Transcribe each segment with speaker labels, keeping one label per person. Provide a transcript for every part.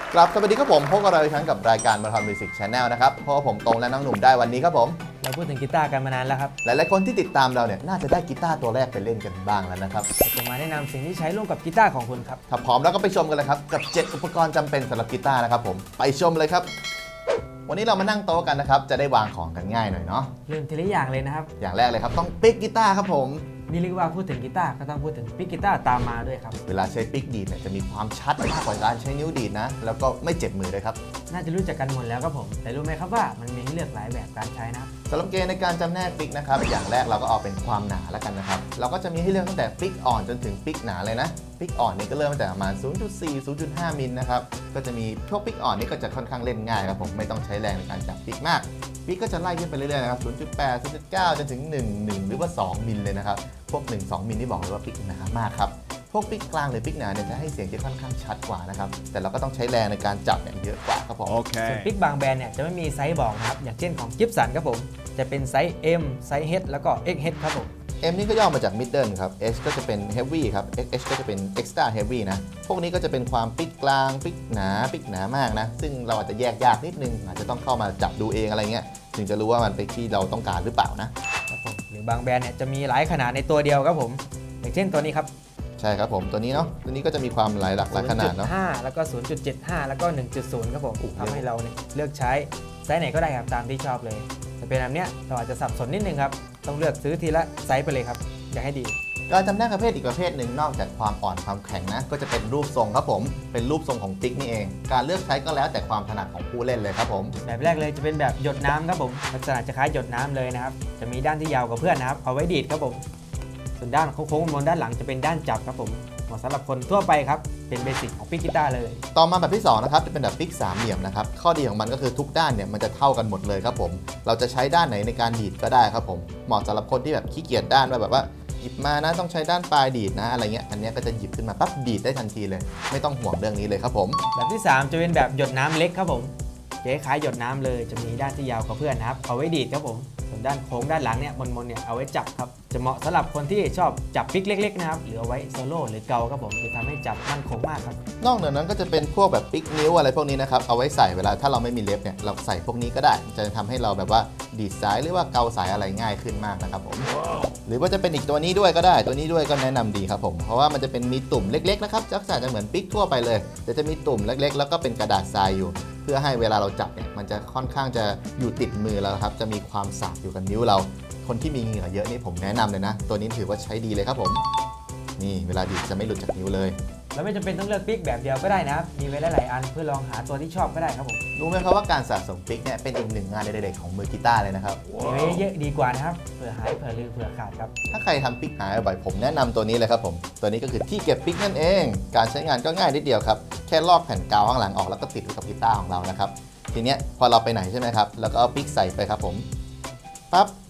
Speaker 1: กลับสวัสดีครับผมพบกับเราอีกครั้งกับรายการมาราธอนมิวสิกชาแนลนะครับเพราะว่าผมตรงและน้องหนุ่มได้วันนี้ครับผม
Speaker 2: เราพูดถึงกีตาร์กันมานานแล้วครับ
Speaker 1: หลายๆคนที่ติดตามเราเนี่ยน่าจะได้กีตาร์ตัวแรกไปเล่นกันบ้างแล้วนะครับ
Speaker 2: จะมาแนะนำสิ่งที่ใช้ร่วมกับกีตาร์ของคุณครับ
Speaker 1: ถ้าพร้อมแล้วก็ไปชมกันเลยครับกับ 7 อุปกรณ์จำเป็นสำหรับกีตาร์นะครับผมไปชมเลยครับวันนี้เรามานั่งโต๊ะกันนะครับจะได้วางของกันง่ายหน่อยเนาะ
Speaker 2: เริ่มทีละอย่างเลยนะครับ
Speaker 1: อย่างแรกเลยครับต้องปิกกีตาร์ครับผม
Speaker 2: นี่เรียกว่าพูดถึงกีตาร์ก็ต้องพูดถึงปิกกีตาร์ตามมาด้วยครับ
Speaker 1: เวลาใช้ปิกดีดเนี่ยจะมีความชัดมากกว่าการใช้นิ้วดีดนะแล้วก็ไม่เจ็บมือเลยครับ
Speaker 2: น่าจะรู้จักกันหมดแล้วครับผมแต่รู้ไหมครับว่ามันมีให้เลือกหลายแบบการใช้นะครับ
Speaker 1: สำหรับเกณฑ์ในการจำแนกปิกนะครับอย่างแรกเราก็เอาเป็นความหนาแล้วกันนะครับเราก็จะมีให้เลือกตั้งแต่ปิกอ่อนจนถึงปิกหนาเลยนะปิกอ่อนนี่ก็เริ่มตั้งแต่ประมาณ 0.4 0.5 มิลนะครับก็จะมีพวกปิกอ่อนนี่ก็จะค่อนข้างเล่นง่ายครับผมไม่ต้องใช้แรงในการจับปิกมากปิกก็จะไล่ขึ้นไปเรื่อยๆนะครับ 0.8 0.9 จนถึง 1 หรือว่า 2 มิลเลยนะครับพวก 1-2 มิลนี่บอกเลยว่าปิกหนามากครับพวกปิกกลางหรือปิกหนาเนี่ยจะให้เสียงที่ค่อนข้างชัดกว่านะครับแต่เราก็ต้องใช้แรงในการจับเนี่ยเยอะกว่าครับผม
Speaker 2: ส่วนปิกบางแบรนด์เนี่ยจะไม่มีไซส์บอกนะครับอย่างเช่นของกิฟสันครับผมจะเป็นไซส์ M ไซส์ H แล้วก็ XH ครับผม
Speaker 1: M นี่ก็ย่อมาจาก Middle ครับ H ก็จะเป็น Heavy ครับ XH ก็จะเป็น Extra Heavy นะพวกนี้ก็จะเป็นความปิกกลางปิกหนามากนะซึ่งเราอาจจะแยกยากนิดนึงอาจจะต้องเข้ามาจับดูเองอะไรเงี้ยถึงจะรู้ว่ามันเป็นที่เราต้องการหรือเปล่านะครับ
Speaker 2: ผมหรือบางแบรนด์เนี่ยจะมีหลายขนาดในตัวเดียวครับผมอย่างเช่นตัวนี้ครับ
Speaker 1: ใช่ครับผมตัวนี้เนาะตัวนี้ก็จะมีความหลายขนาดเนาะ
Speaker 2: 0.5 แล้วก็ 0.75 แล้วก็ 1.0 ครับผมทำให้เราเนี่ยเลือกใช้ไซส์ไหนก็ได้ครับตามที่ชอบเลยแต่เป็นแบบเนี้ยเราอาจจะสับสนนิดนึงครับต้องเลือกซื้อทีละไซส์ไปเลยครับอย่าให้ดี
Speaker 1: การจำแนกประเภทอีกประเภทหนึ่งนอกจากความอ่อนความแข็งนะก็จะเป็นรูปทรงครับผมเป็นรูปทรงของปิกนี่เองการเลือกใช้ก็แล้วแต่ความถนัดของผู้เล่นเลยครับผม
Speaker 2: แบบแรกเลยจะเป็นแบบหยดน้ำครับผมลักษณะจะคล้ายหยดน้ำเลยนะครับจะมีด้านที่ยาวกว่าเพื่อนนะครับเอาไว้ดีดครับผมส่วนด้านโค้งๆบนด้านหลังจะเป็นด้านจับครับผมเหมาะสำหรับคนทั่วไปครับเป็นเบสิกของปิกกีตาร์เลย
Speaker 1: ต่อมาแบบที่2นะครับจะเป็นแบบปิก3เหลี่ยมนะครับข้อดีของมันก็คือทุกด้านเนี่ยมันจะเท่ากันหมดเลยครับผมเราจะใช้ด้านไหนในการดีดก็ได้ครับผมเหมาะสำหรับคนที่แบบขี้เกียจด้านแบบว่าหยิบมานะต้องใช้ด้านปลายดีดนะอะไรเงี้ยอันนี้ก็จะหยิบขึ้นมาปั๊บดีดได้ทันทีเลยไม่ต้องห่วงเรื่องนี้เลยครับผม
Speaker 2: แบบที่3จะเป็นแบบหยดน้ำเล็กครับผมจะคล้ายหยดน้ำเลยจะมีด้านที่ยาวกว่าเพื่อนนะครับเอาไว้ดีดครับผมส่วนด้านโค้งด้านหลังเนี่ยมนเนี่ยเอาไว้จับครับจะเหมาะสำหรับคนที่ชอบจับปิกเล็กๆนะครับหรือเอาไว้โซโล่หรือเกาครับผมจะทำให้จับมั่นคงมากครับ
Speaker 1: นอกจากนั้นก็จะเป็นพวกแบบปิกนิ้วอะไรพวกนี้นะครับเอาไว้ใส่เวลาถ้าเราไม่มีเล็บเนี่ยเราใส่พวกนี้ก็ได้จะทำให้เราแบบว่าดีดสายหรือว่าเกาสายอะไรง่ายขึ้นมากนะครับผม หรือว่าจะเป็นอีกตัวนี้ด้วยก็ได้ตัวนี้ด้วยก็แนะนำดีครับผมเพราะว่ามันจะเป็นมีตุ่มเล็กๆนะครับลักษณะจะเหมือนปิกทั่วไปเลยแต่จะมีตุ่มเล็กๆแล้วก็เป็นกระดาษทรายอยู่เพื่อให้เวลาเราจับเนี่ยมันจะค่อนข้างจะอยู่ติดมือเราครับจะมีความสากอยู่กับนิ้วเราคนที่มีเหงื่อเยอะนี่ผมแนะนำเลยนะตัวนี้ถือว่าใช้ดีเลยครับผมนี่เวลาดีดจะไม่หลุดจากนิ้วเลย
Speaker 2: แล้วไม่จำเป็นต้องเลือกปิกแบบเดียวก็ได้นะครับมีไว้หลายๆอันเพื่อลองหาตัวที่ชอบก็ได้ครับผม
Speaker 1: รู้ไหมครับว่าการสะสมปิกเนี่ยเป็นอีกหนึ่งงานเด็กๆของมือกีตาร์เลยนะครับ
Speaker 2: มีไว้เยอะดีกว่านะครับเผื่อหายเผื่อลืมเผื่อขาดครับ
Speaker 1: ถ้าใครทำปิกหายบ่อยผมแนะนำตัวนี้เลยครับผมตัวนี้ก็คือที่เก็บปิกนั่นเองการใช้งานก็ง่ายนิดเดียวครับแค่ลอกแผ่นกาวข้างหลังออกแล้วก็ติดไว้กับกีตาร์ของเรานะครับทีเนี้ยพอเราไปไหนใช่ไหมครับแล้วก็เอาปิกใส่ไปครับผมปั๊บ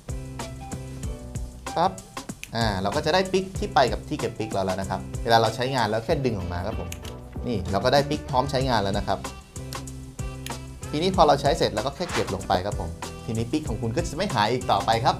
Speaker 1: เราก็จะได้ปิกที่ไปกับที่เก็บปิกเราแล้วนะครับเวลาเราใช้งานแล้วแค่ดึงออกมาครับผมนี่เราก็ได้ปิกพร้อมใช้งานแล้วนะครับทีนี้พอเราใช้เสร็จแล้วก็แค่เก็บลงไปครับผมทีนี้ปิกของคุณก็จะไม่หายอีกต่อไปครับ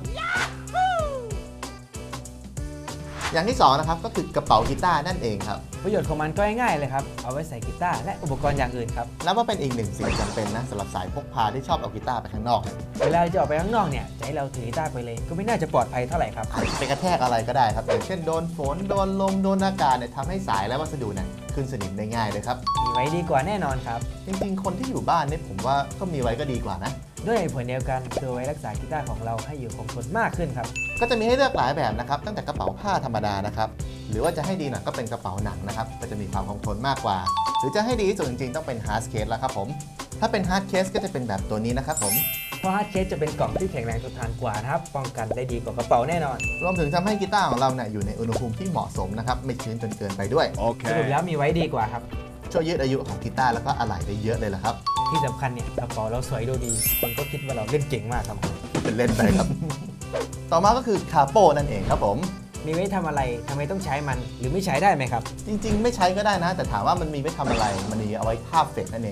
Speaker 1: อย่างที่2นะครับก็คือกระเป๋ากีตาร์นั่นเองครับ
Speaker 2: ประโยชน์ของมันก็ง่ายๆเลยครับเอาไว้ใส่กีตาร์และอุปกรณ์อย่างอื่นครับ
Speaker 1: นับว่าเป็นอีกหนึ่งสิ่งจำเป็นนะสำหรับสายพกพาที่ชอบเอากีตาร์ไปข้างนอก
Speaker 2: เวลาจะออกไปข้างนอกเนี่ยจะให้เราถือกีตาร์ไปเลยก็ไม่น่าจะปลอดภัยเท่าไหร่ครับ
Speaker 1: ไปกระแทกอะไรก็ได้ครับอย่างเช่นโดนฝนโดนลมโดนอากาศเนี่ยทำให้สายและวัสดุเนี่ยขึ้นสนิมได้ง่ายเลยครับ
Speaker 2: มีไว้ดีกว่าแน่นอนครับ
Speaker 1: จริงๆคนที่อยู่บ้านเนี่ยผมว่าก็มีไว้ก็ดีกว่านะ
Speaker 2: ด้วยผลเดียวกันคือไว้รักษากีตาร์ของเราให้อยู่คงทนมากขึ้นครับ
Speaker 1: ก็จะมีให้เลือกหลายแบบนะครับตั้งแต่กระเป๋าผ้าธรรมดานะครับหรือว่าจะให้ดีหน่อยก็เป็นกระเป๋าหนังนะครับก็จะมีความคงทนมากกว่าหรือจะให้ดีที่สุดจริงๆต้องเป็นฮาร์ดเคสแล้วครับผมถ้าเป็นฮาร์ดเคสก็จะเป็นแบบตัวนี้นะครับผม
Speaker 2: เพราะฮาร์ดเคสจะเป็นกล่องที่แข็งแรงทนทานกว่านะครับป้องกันได้ดีกว่ากระเป๋าแน่นอน
Speaker 1: รวมถึงทำให้กีตาร์ของเราเนี่ยอยู่ในอุณหภูมิที่เหมาะสมนะครับไม่ชื้นจนเกินไปด้วย
Speaker 2: สรุปแล้วมีไว้ดีกว่าครับ
Speaker 1: ช่วยยืดอายุของกีตาร์แล้วก็อะไหล่ได้เยอะเลยละครับ
Speaker 2: ที่สำคัญเนี่ยกระเป๋าเราสวยดูดีคนก็คิดว่าเราเล่นเก่งมากครับ
Speaker 1: เป็นเล่นไปครับ ต่อมาก็คือคาโปนั่นเองครับผม
Speaker 2: มีไว้ทำอะไรทำไมต้องใช้มันหรือไม่ใช้ได้ไหมครับ
Speaker 1: จริงๆไม่ใช้ก็ได้นะแต่ถามว่ามันมีไว้ทำอะไรมันมีเอาไว้คาบเฟกนั่นเองครับ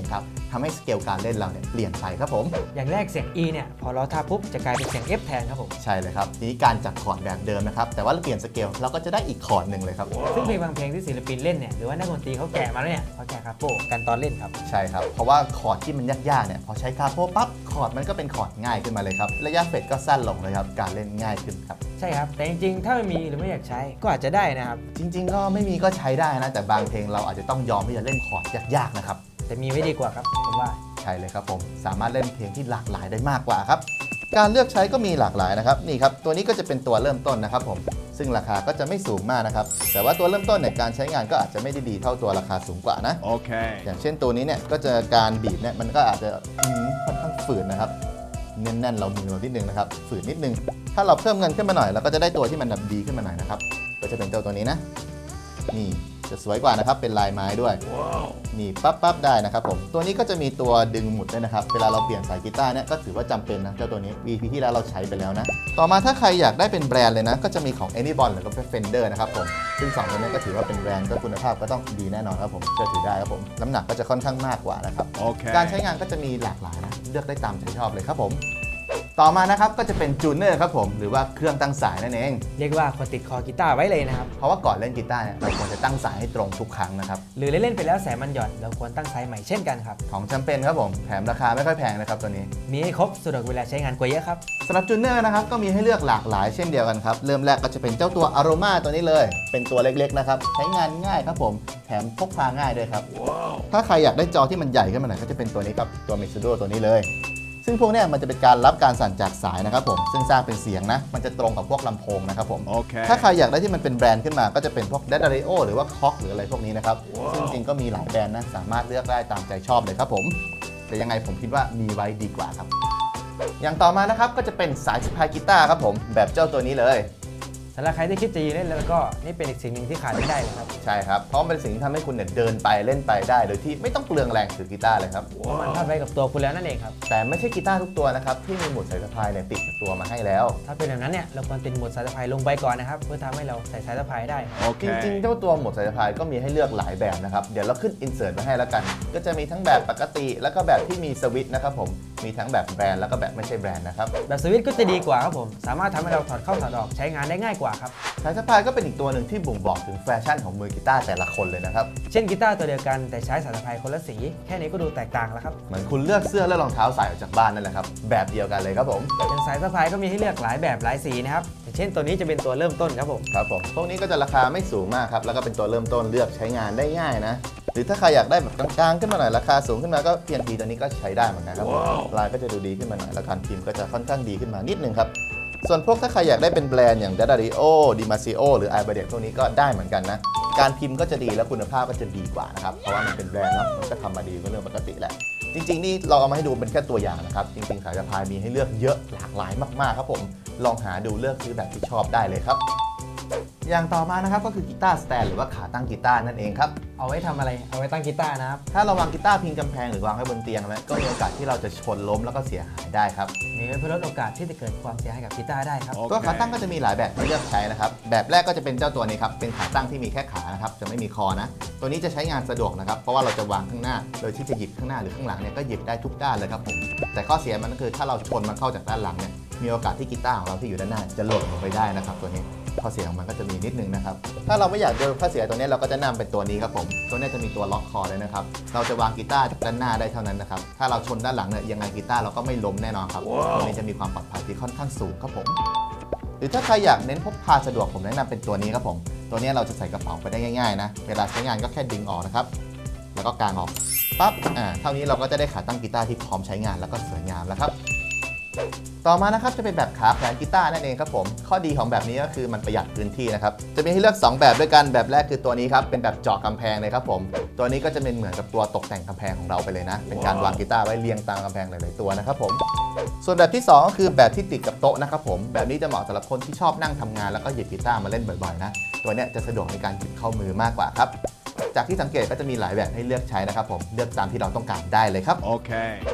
Speaker 1: ทำให้สเกลการเล่นเราเนี่ยเปลี่ยนไปครับผม
Speaker 2: อย่างแรกเสียง E เนี่ยพอเราท่าปุ๊บจะกลายเป็นเสียง F แทนครับผม
Speaker 1: ใช่เลยครับทีนี้การจัดคอร์ดแบบเดิมนะครับแต่ว่าเราเปลี่ยนสเกลเราก็จะได้อีกคอร์ดหนึ่งเลยครับ
Speaker 2: ซึ่งเพลงบางเพลงที่ศิลปินเล่นเนี่ยหรือว่านักดนตรีเขาแกะมาแล้วเนี่ยเขาแกะคาโปกันตอนเล่นครับ
Speaker 1: ใช่ครับเพราะว่าคอร์ดที่มันยากๆเนี่ยพอใช้คาโปปั๊บคอร์ดมันก็เป็นคอร์ดง่ายขึ้นมาเลยครับระยะเฟดก็สั้นลงเลยครับการเล่นง่ายขึ้นครับ
Speaker 2: ใช่ครับแต่จริงๆถ้าไม่มีหรือไม่อยากใช้ก็อาจจะได้นะครับ
Speaker 1: จริงๆก็ไม่มีก็ใช้ได้นะแต่บางเพลงเราอาจจะต้องยอมที่จะเล่นคอร์ดยากๆนะครับ
Speaker 2: แต่มีไว้ดีกว่าครับผมว่า
Speaker 1: ใช่เลยครับผมสามารถเล่นเพลงที่หลากหลายได้มากกว่าครับการเลือกใช้ก็มีหลากหลายนะครับนี่ครับตัวนี้ก็จะเป็นตัวเริ่มต้นนะครับผมซึ่งราคาก็จะไม่สูงมากนะครับแต่ว่าตัวเริ่มต้นเนี่ยการใช้งานก็อาจจะไม่ได้ดีเท่าตัวราคาสูงกว่านะ
Speaker 3: Okay.
Speaker 1: อย่างเช่นตัวนี้เนี่ยก็จะการบีบเนี่ยมันก็อาจจะค่อนข้างฝืนนะครับแน่นๆเรามือเรานิดนึงนะครับฝืนนิดนึงถ้าเราเพิ่มเงินขึ้นมาหน่อยเราก็จะได้ตัวที่มันแบบดีขึ้นมาหน่อยนะครับก็จะเป็นตัวนี้นะนี่จะสวยกว่านะครับเป็นลายไม้ด้วย นี่ปั๊บได้นะครับผมตัวนี้ก็จะมีตัวดึงหมุดด้วยนะครับเวลาเราเปลี่ยนสายกีตาร์เนี่ยก็ถือว่าจำเป็นนะเจ้าตัวนี้ VP ที่แล้วเราใช้ไปแล้วนะต่อมาถ้าใครอยากได้เป็นแบรนด์เลยนะก็จะมีของ Anyone หรือก็ Fender นะครับผมซึ่ง2ตัวนี้ก็ถือว่าเป็นแบรนด์ก็คุณภาพก็ต้องดีแน่นอนครับผมเชื่อถือได้ครับผมน้ำหนักก็จะค่อนข้างมากกว่านะครับ
Speaker 3: Okay.
Speaker 1: การใช้งานก็จะมีหลากหลายนะเลือกได้ตามใจชอบเลยครับผมต่อมานะครับก็จะเป็นจูเนอร์ครับผมหรือว่าเครื่องตั้งสายนั่นเอง
Speaker 2: เรียกว่าคนติดคอกีตาร์ไว้เลยนะครับ
Speaker 1: เพราะว่าก่อนเล่นกีตาร์เนี่ยเราควรจะตั้งสายให้ตรงทุกครั้งนะครับ
Speaker 2: หรือเล่นๆไปแล้วสายมันหย่อนเราควรตั้งไซส์ใหม่เช่นกันครับ
Speaker 1: ของจำเป็นครับผมแถมราคาไม่ค่อยแพงนะครับตัวนี้
Speaker 2: มีให้ครบสะดวกเวลาใช้งานกว่าเยอะครับ
Speaker 1: สำหรับจูเนอร์นะครับก็มีให้เลือกหลากหลายเช่นเดียวกันครับเริ่มแรกก็จะเป็นเจ้าตัว Aroma ตัวนี้เลย เป็นตัวเล็กๆนะครับใช้งานง่ายครับผมแถมพกพาง่ายด้วยครับ ถ้าใครอยากได้จอที่มันใหญ่ขึ้นมาหน่อยก็จะเป็นตัวนี้ครับตัว Mixodo ตัวนี้เลย ซึ่งพวกเนี้ยมันจะเป็นการรับการสั่นจากสายนะครับผมซึ่งสร้างเป็นเสียงนะมันจะตรงกับพวกลำโพงนะครับผม
Speaker 3: Okay.
Speaker 1: ถ้าใครอยากได้ที่มันเป็นแบรนด์ขึ้นมาก็จะเป็นพวก d a d a r i o หรือว่าคอกหรืออะไรพวกนี้นะครับซึ่งจริงๆก็มีหลายแบรนด์นะสามารถเลือกได้ตามใจชอบเลยครับผมแต่ยังไงผมคิดว่ามีไว้ดีกว่าครับอย่างต่อมานะครับก็จะเป็นสายสะพายกีตาร์ครับผมแบบเจ้าตัวนี้เลย
Speaker 2: สำหรับใครที่คิดจะยืนเล่นแล้วก็นี่เป็นอีกสิ่งหนึ่งที่ขาดไม่ได้เลยครับ
Speaker 1: ใช่ครับเพราะมันเป็นสิ่งที่ทำให้คุณเนี่ยเดินไปเล่นไปได้โดยที่ไม่ต้องเปลืองแรงถือกีตาร์เลยครับ
Speaker 2: เพราะมันพาดไว้กับตัวคุณแล้วนั่นเองครับ
Speaker 1: แต่ไม่ใช่กีตาร์ทุกตัวนะครับที่มีหมุดสายสะพายเนี่ยติดกับตัวมาให้แล้ว
Speaker 2: ถ้าเป็นแบบนั้นเนี่ยเราควรติดหมวดสายสะพายลงไปก่อนนะครับเพื่อทำให้เราใส่สายสะพายได้
Speaker 1: จริงๆ
Speaker 3: Okay.
Speaker 1: เจ้าตัวหมวดสายสะพายก็มีให้เลือกหลายแบบนะครับ เดี๋ยวเราขึ้นอินเสิร์ตไว้ให้แล้วกัน ก็จะมีทั้งแบบปกติแล้วก็แบบที่มีสวิตช์นะครับผม มีทั้งแบบแบรนด์แล้วก็แบบไม่ใช่แบรนด์นะครับ
Speaker 2: แบบสวิตช์ก็จะดีกว่าครับผมสามารถทำให้เราถอดเข้าถอดออกใช้งานได้ง่ายกว่าครับ
Speaker 1: สายสะพายก็เป็นอีกตัวหนึ่งที่บ่งบอกถึงแฟชั่นของมือกีตาร์แต่ละคนเลยนะครับ
Speaker 2: เช่นกีตาร์ตัวเดียวกันแต่ใช้สายสะพายคนละสีแค่นี้ก็ดูแตกต่างแล้วครับ
Speaker 1: เหมือนคุณเลือกเสื้อและรองเท้าใส่ออกจากบ้านนั่นแหละครับ แบบเดียวกันเลยครับผม
Speaker 2: อย่างสายสะพายก็มีให้เลือกหลายแบบหลายสีนะครับอย่างเช่นตัวนี้จะเป็นตัวเริ่มต้นครับผม
Speaker 1: ครับผมพวกนี้ก็จะราคาไม่สูงมากครับ แล้วก็เป็นตัวเริ่มต้นเลือกใช้งานได้ง่ายนะ หรือถ้าใครอยากได้แบบกลางๆขึ้นมาหน่อยราคาสูงขึ้นมาก็ PNP ตัวนี้ก็ใช้ได้เหมือนกันครับผมลายก็จะดูดีขึ้นมาหน่อยแล้วการพิมพ์ก็จะค่อนข้างดีขึ้นมานิดนึงครับ ส่วนพวกถ้าใครอยากได้เป็นแบรนด์อย่าง d a d a r i o Dimasio หรือ i b a d e t พวกนี้ก็ได้เหมือนกันนะ การพิมพ์ก็จะดีและคุณภาพก็จะดีกว่านะครับ เพราะว่ามันเป็นแบรนด์เนาะมันก็ทำมาดีก็เรื่องปกติแหละ จริงๆนี่เราเอามาให้ดูเป็นแค่ตัวอย่างนะครับ จริงๆสายสะพายมีให้เลือกเยอะหลากหลายมากๆครับผม ลองหาดูเลือกซื้อแบบที่ชอบได้เลยครับ อย่างต่อมานะครับก็คือกีตาร์สแตนหรือว่าขาตั้งกีตาร์นั่นเองครับ
Speaker 2: เอาไว้ทำอะไรเอาไว้ตั้งกีตาร์นะครับ
Speaker 1: ถ้าเราวางกีตาร์พิงกำแพงหรือวางไว้บนเตียงแล้วก็มีโอกาสที่เราจะชนล้มแล้วก็เสียหายได้ครับ
Speaker 2: มีไว้เพื่อลดโอกาสที่จะเกิดความเสียหายกับกีตาร์ได้ครับ
Speaker 1: ตัวขาตั้งก็จะมีหลายแบบให้เลือกใช้นะครับ แบบแรกก็จะเป็นเจ้าตัวนี้ครับ เป็นขาตั้งที่มีแค่ขานะครับ จะไม่มีคอนะ ตัวนี้จะใช้งานสะดวกนะครับ เพราะว่าเราจะวางข้างหน้า โดยที่จะหยิบข้างหน้าหรือข้างหลังเนี่ยก็หยิบได้ทุกด้านเลยครับผม แต่ข้อเสียมันก็คือถ้าเราชนมันเข้าจากด้านหลังเนี่ย มีโอกาสที่กีตาร์ของเราที่อยู่ด้านหน้าจะหล่นลงไปได้นะครับตัวนี้ ข้อเสียของมันก็จะมีนิดนึงนะครับ ถ้าเราไม่อยากเจอข้อเสียตัวนี้เราก็จะนำเป็นตัวนี้ครับผม ตัวนี้จะมีตัวล็อกคอเลยนะครับ เราจะวางกีตาร์จากด้านหน้าได้เท่านั้นนะครับ ถ้าเราชนด้านหลังเนี่ยยังไงกีตาร์เราก็ไม่ล้มแน่นอนครับ ตัวนี้จะมีความปลอดภัยที่ค่อนข้างสูงครับผม หรือถ้าใครอยากเน้นพกพาสะดวกผมแนะนำเป็นตัวนี้ครับผม ตัวนี้เราจะใส่กระเป๋าไปได้ง่ายๆนะ เวลาใช้งานก็แค่ดึงออกนะครับ แล้วก็กางออก ปั๊บ เท่านี้เราก็จะได้ขาตั้งกีตาร์ที่พร้อมใช้งานแล้วก็สวยงามแล้วครับ ต่อมานะครับจะเป็นแบบขาแขวนกีตาร์นั่นเองครับผม ข้อดีของแบบนี้ก็คือมันประหยัดพื้นที่นะครับ จะมีให้เลือก 2 แบบด้วยกัน แบบแรกคือตัวนี้ครับ เป็นแบบเจาะกำแพงเลยครับผม ตัวนี้ก็จะเป็นเหมือนกับตัวตกแต่งกำแพงของเราไปเลยนะ เป็นการวางกีตาร์ไว้เรียงตามกำแพงหลายๆตัวนะครับผม ส่วนแบบที่ 2 ก็คือแบบที่ติดกับโต๊ะนะครับผม แบบนี้จะเหมาะสำหรับคนที่ชอบนั่งทำงานแล้วก็หยิบกีตาร์มาเล่นบ่อยๆนะ ตัวเนี้ยจะสะดวกในการหยิบเข้ามือมากกว่าครับ จากที่สังเกตก็จะมีหลายแบบให้เลือกใช้นะครับผม เลือกตามที่เราต้องการได้เลยครับ
Speaker 3: Okay.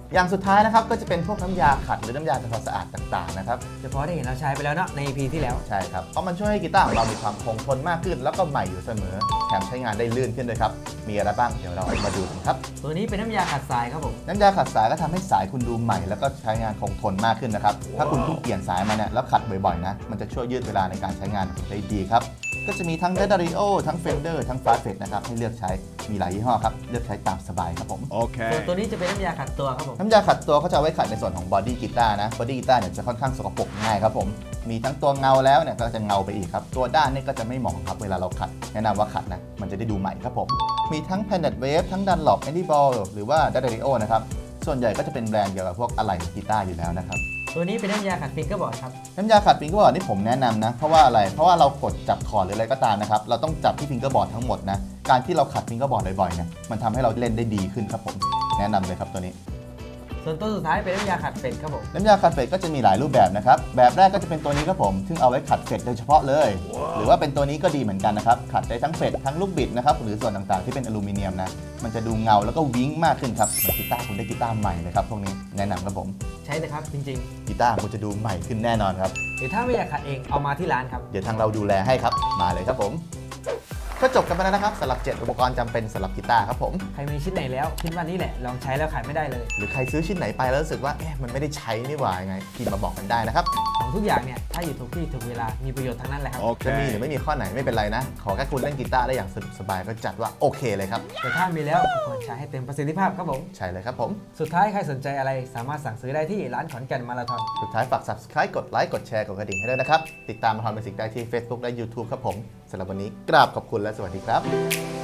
Speaker 1: อย่างสุดท้ายนะครับก็จะเป็นพวกน้ำยาขัดหรือน้ำยาทำความสะอาดต่างๆนะครับ
Speaker 2: เฉพาะได้เห็นเราใช้ไปแล้วเนาะใน EP ที่แล้ว
Speaker 1: ใช่ครับเพราะมันช่วยให้กีตาร์ของเรามีความคงทนมากขึ้น แล้วก็ใหม่อยู่เสมอแถมใช้งานได้ลื่นขึ้นด้วยครับมีอะไรบ้างเดี๋ยวเรามาดูกันครับ
Speaker 2: ตัวนี้เป็นน้ำยาขัดทรายครับผม
Speaker 1: น้ำยาขัดสายก็ทำให้สายคุณดูใหม่แล้วก็ใช้งานคงทนมากขึ้นนะครับถ้าคุณเพิ่งเปลี่ยนสายมาเนี่ยแล้วขัดบ่อยๆนะมันจะช่วยยืดเวลาในการใช้งานได้ดีครับก็จะมีทั้ง d a d a r i o ทั้ง Fender ทั้ง f a s t f e t นะครับให้เลือกใช้มีหลายยี่ห้อครับเลือกใช้ตามสบายครับผม
Speaker 2: ส่วนตัวนี้จะเป็นน้ำยาขัดตัวครับผม
Speaker 1: น้ำยาขัดตัวเขาจะเอาไว้ขัดในส่วนของบอดี้กีตาร์นะบอดี้กีตาร์เนี่ยจะค่อนข้างสกปรกง่ายครับผมมีทั้งตัวเงาแล้วเนี่ยก็จะเงาไปอีกครับตัวด้านเนี่ยก็จะไม่เหมาะครับเวลาเราขัดแนะนำว่าขัดนะมันจะได้ดูใหม่ครับผมมีทั้ง Planet Wave ทั้ง Dunlop Andy Ball หรือว่า d a d a r i o นะครับส่วนใหญ่ก็จะเป็นแบรนด์เกี่ยวกับพวกอะไหล่กีตาร์อยู่แล้วนะครับ
Speaker 2: ตัวนี้เป็นน้ำยาขัดฟิงเกอร์บอร์ดครับ
Speaker 1: น้ำยาขัดฟิงเกอร์บอร์ดนี่ผมแนะนำนะเพราะว่าอะไรเพราะว่าเรากดจับคอร์ดหรืออะไรก็ตามนะครับเราต้องจับที่ฟิงเกอร์บอร์ดทั้งหมดนะการที่เราขัดฟิงเกอร์บอร์ดบ่อยๆเนี่ยมันทำให้เราเล่นได้ดีขึ้นครับผมแนะนำเลยครับตัวนี้
Speaker 2: ส่วนตัวสุดท้ายเป็นน้ำยาขัดเฟดครับผม
Speaker 1: น้ำยาขัดเฟดก็จะมีหลายรูปแบบนะครับแบบแรกก็จะเป็นตัวนี้ครับผมซึ่งเอาไว้ขัดเฟดโดยเฉพาะเลย หรือว่าเป็นตัวนี้ก็ดีเหมือนกันนะครับขัดได้ทั้งเฟดทั้งลูกบิดนะครับหรือส่วนต่างๆที่เป็นอลูมิเนียมนะมันจะดูเงาแล้วก็วิ้งมากขึ้นครับเหมือนกีตาร์คุณได้กีตาร์ใหม่เลยครับพวกนี้แนะนำครับผม
Speaker 2: ใช้เลยครับจริง
Speaker 1: กีตาร์คุณจะดูใหม่ขึ้นแน่นอนครับ
Speaker 2: ๆ หรือถ้าไม่อยากขัดเองเอามาที่ร้านครับ
Speaker 1: เดี๋ยวทางเราดูแลให้ครับมาเลยครับผมก็จบกันไปแล้วนะครับสำหรับ 7 อุปกรณ์จำเป็นสำหรับกีตาร์ครับผม
Speaker 2: ใครมีชิ้นไหนแล้วคิดว่านี่แหละลองใช้แล้วขายไม่ได้เลย
Speaker 1: หรือใครซื้อชิ้นไหนไปแล้วรู้สึกว่ามันไม่ได้ใช้นี่หว่ายังไงพิมพ์มาบอกกันได้นะครับ
Speaker 2: ของทุกอย่างเนี่ยถ้าอยู่ถูกที่ถูกเวลามีประโยชน์ทั้งนั้นแหละครับ
Speaker 1: จะมีหรือไม่มีข้อไหนไม่เป็นไรนะ ขอแค่คุณเล่นกีตาร์ได้อย่างสนุกสบายก็จัดว่าโอเคเลยครับ
Speaker 2: แต่ถ้ามีแล้วก็ควรใช้ให้เต็มประสิทธิภาพครับผม
Speaker 1: ใช่เลยครับผม
Speaker 2: สุดท้ายใครสนใจอะไรสามารถสั่งซื้อได้ที่ร้านขอนแก่นมาราธอน
Speaker 1: สุดท้ายฝาก subscribe กดไลค์กดแชร์กดกระดิ่งให้ด้วยนะครับติดตามมาทอนเบสิกได้ที่ Facebook และ YouTube ครับผมสำหรับวันนี้กราบขอบคุณและสวัสดีครับ